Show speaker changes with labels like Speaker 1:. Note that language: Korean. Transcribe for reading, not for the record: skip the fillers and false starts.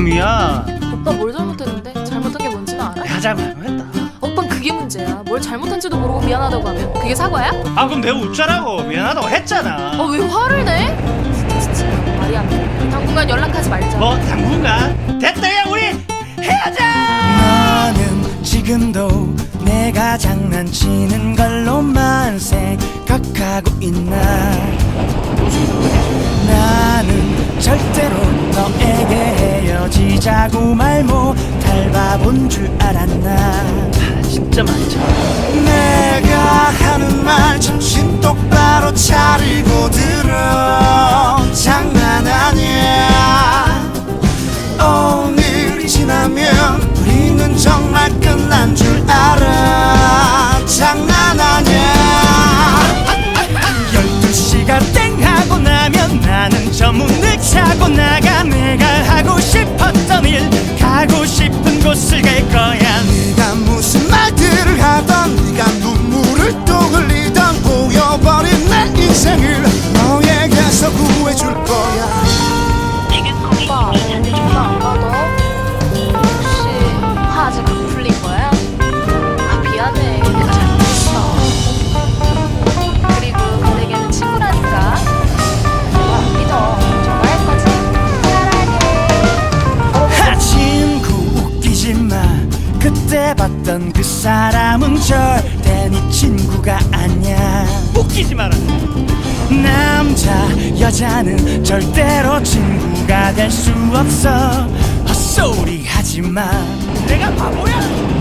Speaker 1: 미안.
Speaker 2: 오빠 뭘 잘못했는데? 잘못한 게 뭔지는 알아?
Speaker 1: 내가 잘못했다.
Speaker 2: 오빤 그게 문제야. 뭘 잘못한지도 모르고 미안하다고 하면 그게 사과야?
Speaker 1: 아 그럼 내가 웃자라고 미안하다고 했잖아.
Speaker 2: 왜 화를 내? 진짜 말이 안 돼. 당분간 연락하지 말자.
Speaker 1: 뭐 당분간? 됐다 야 우리 헤어져.
Speaker 3: 너는 지금도 내가 장난치는 걸로만 생각하고 있나. 나는 절대로 너에게 헤어지자고 말 못할 바본 줄 알았나.
Speaker 1: 진짜 많잖아.
Speaker 3: 내가 하는 말 정신 똑바로 차리고 들어. 장난 아니야. 오늘이 지나면 우리는 정말 끝난 줄 알아. 장난 아니야. 12시가 땡 하고 나면 나는 저 문을 차고 나가. 내가 하고 싶었던 일 가고 싶은 곳을 갈 거야. 네가 무슨 말들을 하던 네가 눈물을 또 흘리던 보여버린 내 인생을 너에게서 구해줄 거야.
Speaker 2: 오빠 전화 안 받아? 혹시 화 아직 안 풀린 거야? 미안해. 내가 잘못했어. 그리고 너에게는 친구라니까. 믿어. 좋아할 거지? 사랑해.
Speaker 3: 친구 웃기지 마. 그때 봤던 그 사람은 절대 네 친구가 아니야.
Speaker 1: 웃기지 마라.
Speaker 3: 남자 여자는 절대로 친구가 될 수 없어. 헛소리 하지 마.
Speaker 1: 내가 바보야?